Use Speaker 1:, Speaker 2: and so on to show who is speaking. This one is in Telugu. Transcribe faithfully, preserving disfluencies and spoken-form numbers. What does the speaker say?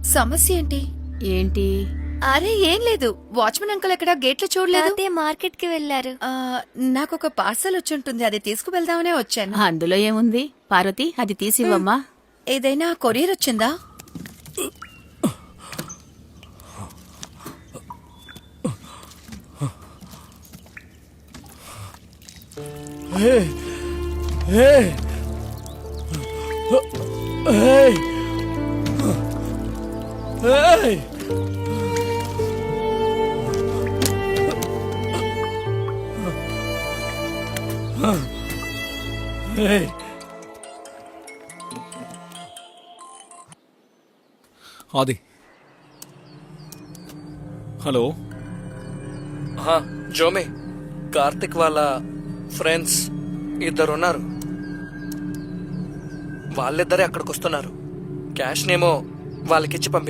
Speaker 1: సమస్య ఏంటి?
Speaker 2: ఏంటి?
Speaker 1: అరే ఏం లేదు, వాచ్మెన్ అంకుల్ ఎక్కడ గేట్లో చూడలేదు.
Speaker 3: తాతయ్య మార్కెట్ కి వెళ్లారు.
Speaker 1: ఆ, నాకు ఒక పార్సల్ వచ్చుంటుంది, అది తీసుకువెళ్దామనే వచ్చాను.
Speaker 2: అందులో ఏముంది? పార్వతి, అది తీసివ్వమ్మా.
Speaker 1: ఏదైనా కొరియర్ వచ్చిందా?
Speaker 4: Hey! Hey! Hey! Hey! Hey!
Speaker 5: Adi, hello.
Speaker 4: జోమే, కార్తిక్ వాళ్ళ ఫ్రెండ్స్ ఇద్దరున్నారు. వాళ్ళిద్దరే అక్కడికి వస్తున్నారు. క్యాష్ నేమో వాళ్ళకిచ్చి పంపి